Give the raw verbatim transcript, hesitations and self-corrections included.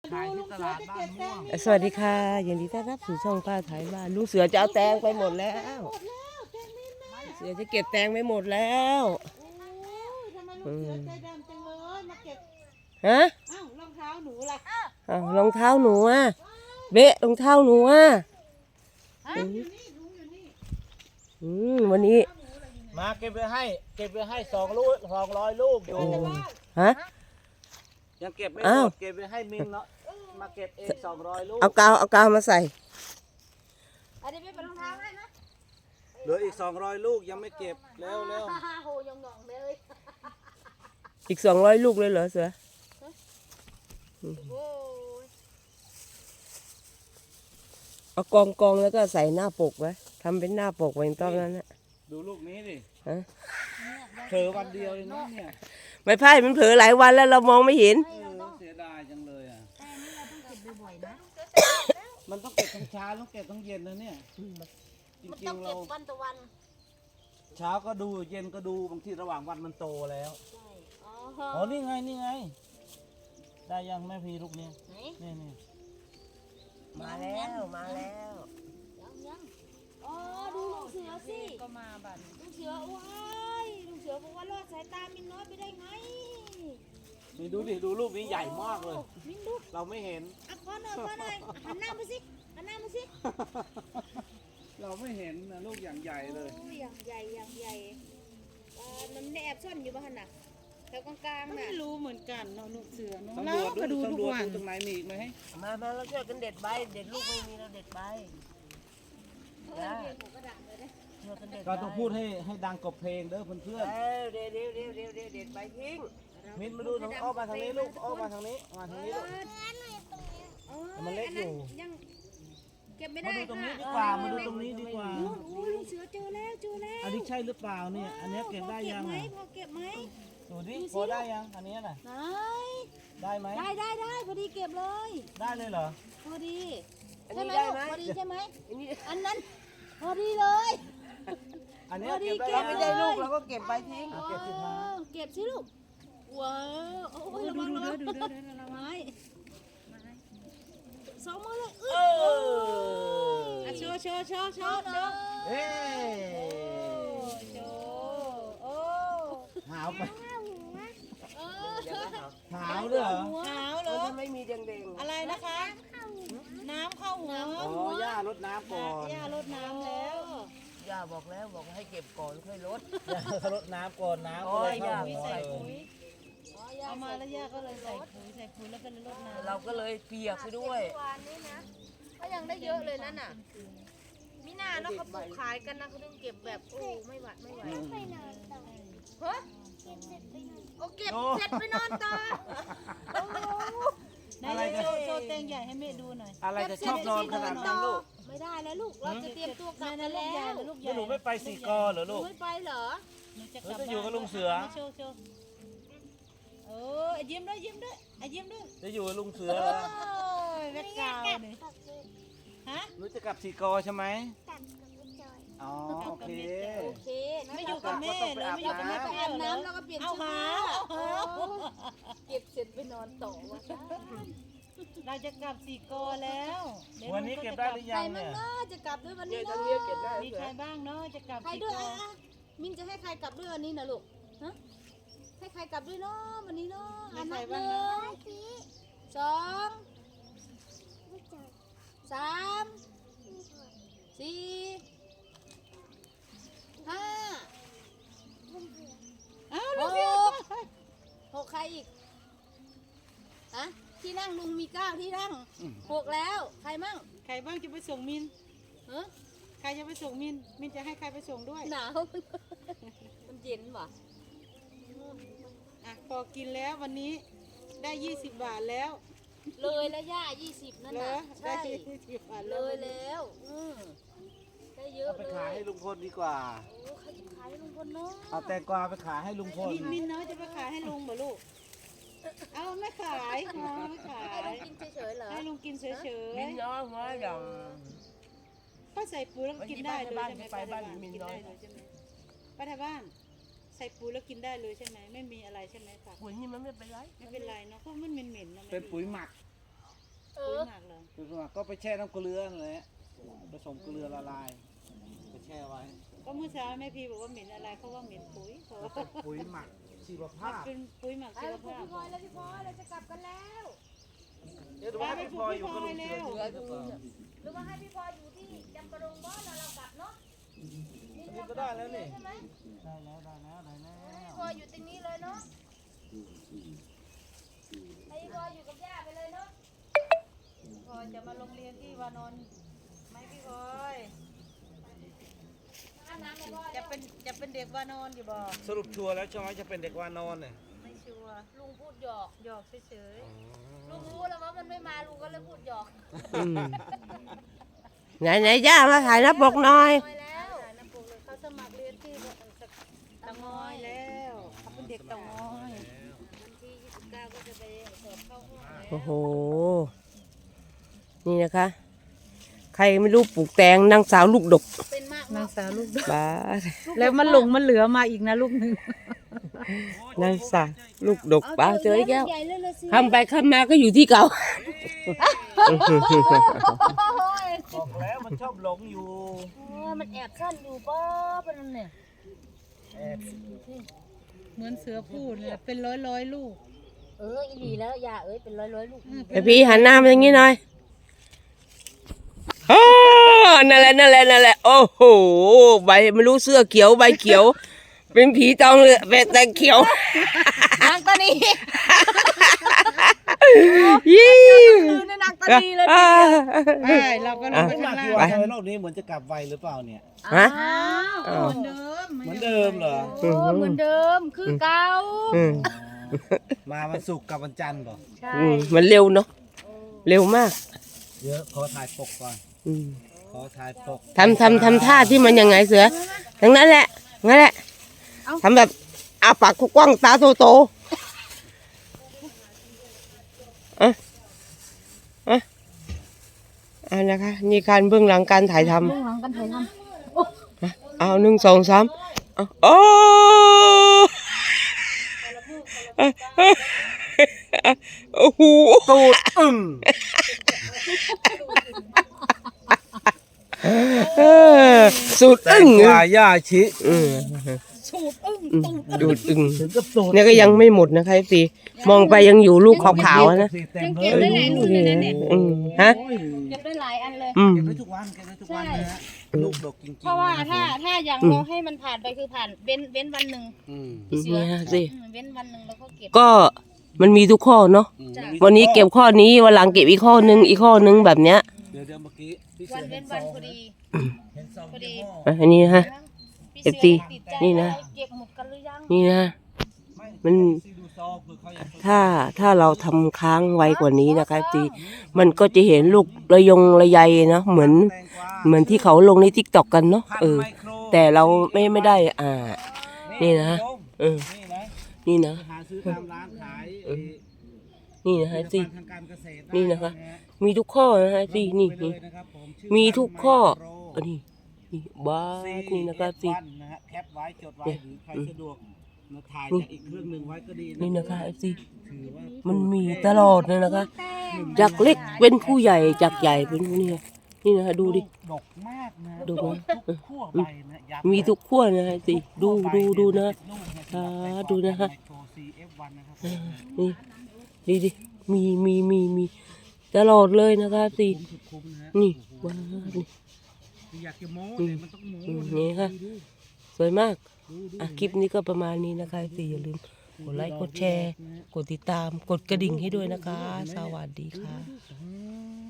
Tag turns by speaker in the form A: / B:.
A: ขายที่ตลาดบ้านม่วง
B: สวัสดีค่ะยินดีต้อนรับสู่ช่องป้าไทยบ้านลุงเสือจะเอาแตงไปหมดแล้ว
C: หมดแล้วแตงมิ้นน่ะ
B: เสือจะเก็บแตงไปหมดแล้ว
C: โอ้ยทำไมลูกเสือใจดำจังเลยมาเก็บ
B: ฮะ
C: อ้าวรองเท้าหนูล่ะ
B: อ้าวรองเท้าหนูอ่ะเบะรองเท้าหนูอ่ะ
C: อยู่นี่ถุงอยู่นี่
B: อืมวันนี้
A: มาเก็บไปให้เก็บไปให้สองลูกสองร้อยลูกอยู่
B: ฮะ
A: ยังเก็บไม่ห
B: อ้าม ว
A: ดเก็บไปให้มินเนาะมาเก็บเองสองร้อยลูก
B: เอากาวเอากาวมาใส่
C: อันนี้เป็นรองเท้าให้นะ
A: เหลืออีกสองร้อยลูกยังไม่เก็บเร็วเร็ว
C: ฮ่าฮ่าโหยองงเลย
B: อีกสองร้อยลูกเลยเหรอเสือ
C: โอ้ย
B: เอากองกองแล้วก็ใส่หน้าปกไว้ทำเป็นหน้าปกไว้ตอนนั้นนะ
A: ดูลูกนี้ดิ
B: ฮะ
A: เผลอวันเดียวเลยนะเนี่ย
B: ไม่พ่ายมันเผลอหลายวันแล้วเรามองไม่เห็น
A: เออเสียดายจังเลยอ่ะ
C: แต่นี่เราต้องเก็บบ่อยๆนะ
A: มันต้องเก็บทั้งเช้าต้องเก็บทั้งเย็นนะเนี่ยจ
C: มัน
A: ริ
C: ต้อง ง
A: ๆ
C: เก็
A: เรา
C: บวันต่อวัน
A: เช้าก็ดูเย็นก็ดูบางทีระหว่างวันมันโตแล้ว
C: ใช่อ๋อ
A: อ๋อนี่ไงนี่ไง ได้ยังแม่พีลูกเนี้ย
C: ไหน
A: นี่นี่
B: มาแล้วมาแล้ว
C: ยังยังอ๋อดูลุงเสือสิก็มาบัดลุงเสือว้ายลุงเสือบอกว่ารอดสายตามินน้อยไปได้ไง
A: นี่ดูดิดูลูกนี้ใหญ่มากเลย
C: มินดู
A: เราไม่เห็น
C: อ่ะขอหน่อยขอหน่อยหันหน้ามาสิหันหน้ามาสิ
A: เราไม่เห็นนะลูกอย่างใหญ่เลย
C: โอ้ยอย่างใหญ่อย่างใหญ่อ่ามันไม่แอบซ่อนอยู่บ้านน่ะแถวกลางๆน่ะ
D: ไม่รู้เหมือนกันเนาะลูกเสือเนาะ
A: ตำร
D: เรา
A: วจ
D: ก็
A: ดู
D: ดูทุ
A: ตำ
D: ก
A: รวจ
D: วัน
A: ดูตรงไหนมีอีกไหม
B: มามาเราช่วยกันเด็ดใบเด็ดลูกไม่มีเราเด็ดใบ
C: เออเรียนหัวกระดาษเลยนะ
B: ช่วยกันเด็ดใบ
A: ก็ต้องพูดให้ให้ดังกบเพลงเด้อเพื่อน
B: เออเดี๋ยวเดี๋ยวเดี๋ยวเดี๋ยวเดี๋ยวเด็ดใบทิ้ง
A: ๆมินมาดูทางอ้อมมาทางนี้ลูกอ้อมมาทางนี้มาทางนี้ลูก
C: เออ
A: มันเล็กอยู่
C: ยังเก็บไม่
A: มา
C: ได้
A: ดูตรงนี้ดี
C: ค่ะ
A: กว่ามาดูตรงนี้ดีกว่า
C: นู่นโอ้ยลุงเสือเจอแล้วเจอแล้ว
A: อันนี้ใช่หรือเปล่าเนี่ยอันนี้เก็บได้ยัง
C: พอ
A: อ่ะ
C: เก็บไหมพอเก็บไหม
A: ดูดิพอได้ยังอันนี้น่ะ
C: ไหน
A: ได้ไหม
C: ได้ได้ได้พอดีเก็บเลย
A: ได้เลยเหรอ
C: พอดี
B: อัน
C: ใช่
B: นี้
C: ไหม
B: ได้
C: ลูก
B: ไหม
C: พอดีใช่ไหม
B: อันนี้
C: อันนั้นพอดีเลย
A: อันนี้
C: พอดี
A: เก็บได้
C: เก็
B: เรา
C: บ
B: ไม่
A: แล้ว
B: ได้ลูกเราก็เก็บใบทิ้ง
A: เอาเก็บสิคะ
C: อ๋อเก็บสิลูกว้าวโอ้ยระ
D: ดู
C: วัง
D: ดู
C: ระวั
D: เด้
C: ง
D: อดูเด้อเด้อเด้อ
C: ไม้สองมือเลย
B: เอ
C: อึ๊บ
B: อ
D: อ่ะโชว์โชว์โชว์โช
C: ชอ
D: ว์
C: บเล
D: โช
C: ย
D: ว์
A: เฮ้ย
D: โชว์โอ้
A: หาวไป
C: เออ
A: หาวด้วยเหรอ
D: หาวเหร
B: เรา
D: อ
B: จะไม่มีแดงๆ
D: อะไรนะคะ น้ำเข้าหัว
A: อ๋อย่ารดน้ำก่อน
D: ย่ารดน้ำแล้ว
B: ย่าบอกแล้วบอกให้เก็บก่อนค่อยลด
A: ย่ารดน้ำก่อนน้ำก็เลยเข้าหัว
D: ใส่
A: เล
D: ปุ๋
A: ย
D: ยเอามาแล้วย่าก็เลยใส่ปุ๋ยใส่ปุ๋ยแล้วก็เลยรดน้ำ
B: เราก็เลยเปียกไปด้วย
C: วานนี้นะก็ยังได้เยอะเลยนั่นน่ะมิน่าเนาะเขาปลูกขายกันนะเขาต้องเก็บแบบโอ้ไม่หวัดไม่ไหว
A: อืม
C: เฮ้ยโอเก็บเสร็จไปนอนต่อ
D: ไหนๆโชว์โชว์แตงใหญ่ให้แม่ดูหน่อย
A: อะไรจะชอบนอนขนาดนั้นลูก
C: ไม่ได้แล้วลูกเราจะเตรียมตัวกลับ
D: แม่
C: กัน
D: ลูก
C: แล้
D: ใหญ่
C: ว
D: หรือลูกให
A: แล้
D: ญ่
A: วหนูไม่ไปสี่กอเหรอ
C: หนู
A: ลูก
C: ไม่ไปเหรอ
D: หนูจะกลับ
A: หนูจะอยู่กับลุงเสือ
D: โชว์โชว์โอ้ยยิ้มด้วยยิ้มด้วยอ่ะยิ้มด้วย
A: จะอยู่กับลุงเสือเหรอ
D: โอ้ยแม่กาวเลยฮะ
A: หนูจะกลับสี่กอใช่ไหมอ๋อโอเค
C: โอเคนะ
D: ไม่อยู่กับแม่เลยไม่อยู่กับแม่
C: ไป
D: เปรี้
C: อาบ
D: ยว
C: น้ำแล้วก็เปลี่ยน
D: เอา
C: เสื้อ
D: หา
C: ผ้า
D: เอาหา
C: เก็บเสร็จไปนอนต่อวะ
D: เราจะกลับสี่กอแล้วดี๋ย
A: วันนี้เก็บได้หรือ
C: ใค
A: ยั
C: รง มั่
A: เนี่
C: ง
A: ย
C: เนาะจะกลับด้วยวัน
B: เดี๋ย
C: นี้
B: วตอน
C: เนาะ
B: นี้เก็บได้
D: มี
B: เสื
D: ใค
B: อ
D: รบ้างเนาะจะกลับ
C: ใคร
D: สี่
C: ด้วย
D: กอ
C: อ่ะอ่ะมินจะให้ใครกลับด้วยวันนี้นะลูกฮะให้ใครกลับด้วยเนาะวันนี้เนาะ
D: มี
C: อัน
D: ใคร
C: นับห
D: บ้าง
C: นึ่
D: เนาะ
C: งสองสามสี่ห้า
D: อ้าว
C: ห
D: ลูกเสือก
C: หกใครอีกฮะที่นั่งลุงมีเก้าที่นั่ง
A: อืม
C: หกแล้วใครมั่ง
D: ใครบ้างจะไปส่งมิน
C: ฮะ
D: ใครจะไปส่งมิน มินจะให้ใครไปส่งด้วย
C: หนาว มันเย็นว่ะ
D: อ่ะพอกินแล้ววันนี้ได้ยี่สิบบาทแล้ว
C: เลยแล้วย่ายี่สิบนั่น
D: เหร
C: น่ะ
D: อ
C: ใช่
D: ได้ยี่สิบบาท
C: เล
D: แล้ว
C: ยแล้วอืมได้เยอะ
A: เอาไป
C: เล
A: ขาย
C: ย
A: ให้ลุงพลดีกว่า
C: โอ้ใครจะขายให้ลุงพลเนาะ
A: เอาแตงกวาไปขายให้ลุงพล
D: มินมินเนาะจะไปขายให้ลุงเหรอลูก เอาไม่ขายอ๋อไม่ขาย
C: ให้ลุงกินเฉยๆเหรอ
D: ให้ลุงกินเฉย
B: มินน้อยหัวด
D: ๆก็ใส่ปุ๋ยแล้วก็กินได้เลยใช่ไหม
B: ไปบ้านมิน
D: กิน
B: น้อ
D: ได้
B: ย
D: เลยใช่ไหมป้าทาบ้าน ใส่ปุ๋ยแล้วกินได้เลยใช่ไหมไม่มีอะไรใช่ไหมค่ะ
B: ปุ๋ยนี่มันไม่เป็นไร
D: ไม่เป็นไรเนาะเพราะมันเหม็นๆนะ
A: เป็นปุ๋ยหมัก
C: เอ
D: ปุ๋ย
C: อ
D: หมักเหรอ
A: ปุ๋ยหมักก็ไปแช่น้ำเกลือนั่นแหละผสมเกลือละลายไปแช่ไว้
D: ก็เมื่อเช้าแม่พีบอกว่าเหม็นอะไรเขาว่าเหม็นปุ๋ยเขาว่า
A: ปุ๋ยหมักชีวภาพ
D: เป็นปุ๋ยหมัก
C: ไป
D: ชีว
C: พี่
D: ภาพ
C: พลอยแล้วพี่พลอยเราจะกลับกันแล้ว
A: เดี๋ยวดูว่าพี่พลอยอยู่กับลุงเสือที่นี่หรือเปล่า
C: หรือว่าให้พี่พลอยอยู่ที่จำปาดงบ่แล้วเรากลับเนาะ
A: อันนี้ก็ได้แล้วนี่
C: ใช่ไหม
A: ได้แล้วได้แล้วได้แล้ว
C: ให้พี่พลอยอยู่ตรงนี้เลยเนาะให้พี่พลอยอยู่กับย่าไปเลยเนาะ
D: พอจะมาโรงเรียนที่วานอนไหมพี่พลอย
C: อาบน้ำเลยพ่อ
D: จะเป็นจะเป็นเด็กวานอนอยู่บ่
A: สรุปชัวร์แล้วใช่ไหมจะเป็นเด็กวานอนเนี่ย
D: ไม่ชัวร์
C: ลุงพูดหยอก
D: หยอกเฉย
C: ลุงรู้แล้วว่ามันไม่มาลุงก็เลยพูดหยอก
B: อืมไหนไหนย่ามาถ่ายหน้าปกหน่อย
C: น้อยแล้ว
D: ๆถ่ายน้ำปกเลยเขาสมัครเรียนที่เตางอยแล้วเขาเป็นเด็กเตางอย
C: วันที่ยี่สิบเก้าก็จะไปสอบเข้าห้องแล้ว
B: โอ้โห นี่นะคะ ใครไม่รู้ปลูกแตงนางสาวลูกดก
C: เป็นมาก
D: นางสาวลูก
B: บ้า
D: แล้วมันหลงมันเหลือมาอีกนะลูกหนึ่ง
B: นางสาวลูกดกป้าเจออีกแล้ว
C: ใหญ่เลยเลยสิ
B: ทำไปข้ามมาก็อยู่ที่เก่า
A: บอกแล้วมันชอบหลงอยู่
C: โอ้ยมันแอบซ่อนอยู่ป้อเป็นนั่นเนี่ย
A: แอบ
D: เหมือนเสือพูดเลยเป็นร้อยร้อยๆลูก
C: เอออีหลีแล้วอย่าเอ้ยเป็นร้อยร้อยๆลูก
B: ไอพี่หันหน้ามาอย่างนี้หน่อยโอ้นั่นแหละนั่นแหละนั่นแหละ โอ้โห ใบไม่รู้เสื้อเขียวใบเขียว เป็นผีตองเลยเป็นแต่เขียว
C: นางตานี
B: ยี่
C: คือในนางตานีเลย
B: อ่า
D: ใช่เราก็ลงไป
A: ไม่
D: ข้าง
A: มา
D: ล่าง
A: ที่ว่าทำไมรอบนี้เหมือนจะกลับไวหรือเปล่าเนี่ย
B: ฮะ
C: อ้าว
D: เหมือนเดิม
A: เหมือนเดิมเหรอ
C: โอ้เหมือนเดิมคือเก่า
B: อืม
A: มาวันศุกร์กับวันจันทร์ป่ะ
C: ใช่
B: อืมมันเร็วเนาะเร็วมาก
A: เดี๋ยวขอถ่ายปกก่อน
B: อืม
A: ขอถ่ายปก
B: ทำทำทำท่าที่มันยังไงเสือทั้งนั้นแหละงั้นแหละทำแบบอาปากกว้างๆตาโตโตๆอ่ะอ่ะอ่านะคะนี่การเบื้องหลังการถ่ายทำ
C: เบื้องหลังกันถ่ายท
B: เอาหนึ่งสองสามเอาโอ้โอ้โห
A: ตูดอึ้ง
B: เออสูด
A: แต่
B: อึ้ง
A: กว่าย่าชิ
B: อืม
C: สูดอึ้ง
B: อืมดูดอึ้ง
A: ถึงกับตูด
B: เนี่ยก็ยังไม่หมดนะคะสิมองไปยังอยู่ลูกขาวๆนะ
A: เต็มเล
C: เก็บ
A: ย
C: ได้หลายรุ่นเลยนะเนี่ย
B: อืมฮะ
A: โอ้ย
C: เก็บได้หลายอันเลย
B: อืม
A: เก็บไว้ทุกวันเก็บไว้ทุกวันนะฮะลูกดกจริงๆ
C: เพราะว่า
A: นะค
C: ถ้า
A: บ
C: ถ้าอย่าง
B: อืม
C: เราให้มันผ่านไปคือผ่านเว้นเว้นวันหนึ่ง
A: อืม
B: เนี่ยสิ
C: อืมเว้นวันหนึ่งแล้วก็เก็บ
B: ก็มันมีทุกข้อเนาะ
A: อืม
C: จ้ะ
B: วันนี้เก็บข้อนี้วันหลังเก็บอีกข้อนึงอีกข้อนึงแบบเนี้ย
A: เดี๋ยวเดี๋ยวเมื่อกี้พี่
C: วั
A: เสื
C: น
A: อ
C: เว้
A: เห็
C: น
A: นซ
C: วั
A: อน ง
C: พอดี
A: เห็นซอง
C: พอดี
A: ยี่ห้อ
B: อ่ะอันนี้นะฮะ
C: พี่
B: เอฟ
C: เสื
B: ซี
C: อติดใจ
B: นี่นะ
C: เก็บหมดกันหรือยัง
B: นี่นะ
A: ไม่
B: มัน
A: ซีดูซองเผื่อเขาอยาก
B: ถ้าถ้าเราทำค้างไวกว่านี้นะคะตีมันก็จะเห็นลูกระยงระยเนาะเหมือน
A: แตงกวา
B: เหมือนที่เขาลงในทิกตอกกันเนาะ
A: พัน
B: เออ
A: ไมโคร
B: แต่เราไม่ไม่ได้อ่า นี่นะ
A: โยม
B: เออ
A: นี่นะ
B: นี่นะ
A: ไปหาซื้อตามร้านขายเอ่อ
B: นี่นะ
A: ผ
B: ฮะ
A: ลิต
B: สิ
A: ภัณฑ์ทางการเกษตรได้
B: นี่นะคะ
A: ฮ
B: มีทุกข้อนะฮะสินี่
A: ไปเล
B: นี่
A: ยนะครับผมชื่อ
B: มีทุกข้อ
A: ไมโคร
B: อันนี้นี่บ้าดนี่นะคะสิ
A: วันนะฮะแคปไว้จดไว้หรือใครสะดวกนะถ่าย
B: นี่
A: จากอีกเครื่องหนึ่งไว้ก็ดี
B: นี่นะคะสิ
A: ถือว่า
B: มันมีตลอดเลยนะคะ จากเล็กเป็นผู้ใหญ่จากใหญ่เป็นนี่นี่นะคะดูดิ
A: ดกมากนะ
B: ดูไหม
A: ทุกขั้วใบนะย้ำ
B: มีทุกขั้วนะฮะสิดูดูดูนะ
A: ลูกเย
B: อ่าดูนะฮะ
A: ไมโคร ซี เอฟ วัน นะครับ
B: นี่ดีดิมีมีมีมีตลอดเลยนะคะสิ
A: คุ้มสุดคุ้มนะฮะ
B: นี่
A: โอ้โห
B: ว้าวนี่
A: อยากจะโม้แต่มันต้องโม้
B: อืม
A: นะ
B: นี่ค่ะ
A: ดู
B: สวยมาก
A: ดูดู
B: อ่ะคลิปนี้ก็ประมาณนี้นะคะสิอย่าลืมกดไลค์กดแชร์ กดติดตามกดกระดิ่งให้ด้วยนะคะ สวัสดีค่ะ
A: อืม